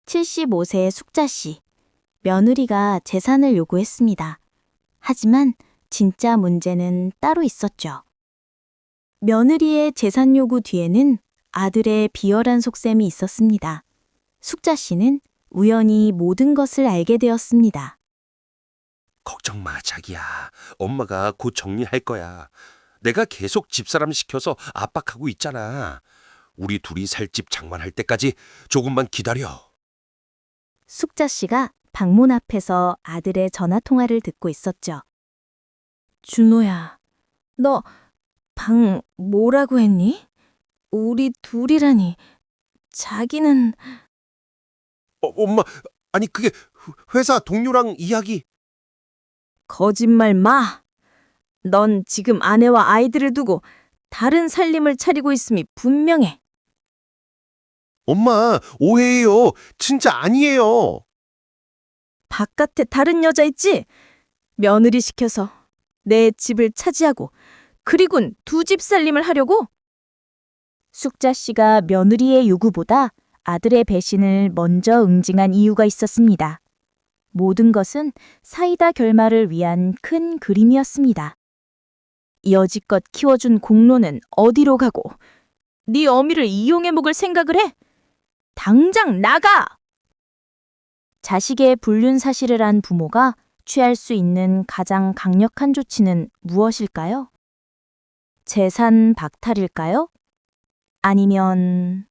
75세의 숙자 씨. 며느리가 재산을 요구했습니다. 하지만 진짜 문제는 따로 있었죠. 며느리의 재산 요구 뒤에는 아들의 비열한 속셈이 있었습니다. 숙자 씨는 우연히 모든 것을 알게 되었습니다. 걱정 마, 자기야. 엄마가 곧 정리할 거야. 내가 계속 집사람 시켜서 압박하고 있잖아. 우리 둘이 살 집 장만할 때까지 조금만 기다려. 숙자 씨가 방문 앞에서 아들의 전화 통화를 듣고 있었죠. 준호야, 너 방 뭐라고 했니? 우리 둘이라니. 자기는... 엄마, 아니 그게 회사 동료랑 이야기. 거짓말 마. 넌 지금 아내와 아이들을 두고 다른 살림을 차리고 있음이 분명해. 엄마, 오해예요. 진짜 아니에요. 바깥에 다른 여자 있지? 며느리 시켜서 내 집을 차지하고 그리곤 두 집 살림을 하려고? 숙자 씨가 며느리의 요구보다 아들의 배신을 먼저 응징한 이유가 있었습니다. 모든 것은 사이다 결말을 위한 큰 그림이었습니다. 여지껏 키워준 공로는 어디로 가고 네 어미를 이용해 먹을 생각을 해? 당장 나가! 자식의 불륜 사실을 안 부모가 취할 수 있는 가장 강력한 조치는 무엇일까요? 재산 박탈일까요? 아니면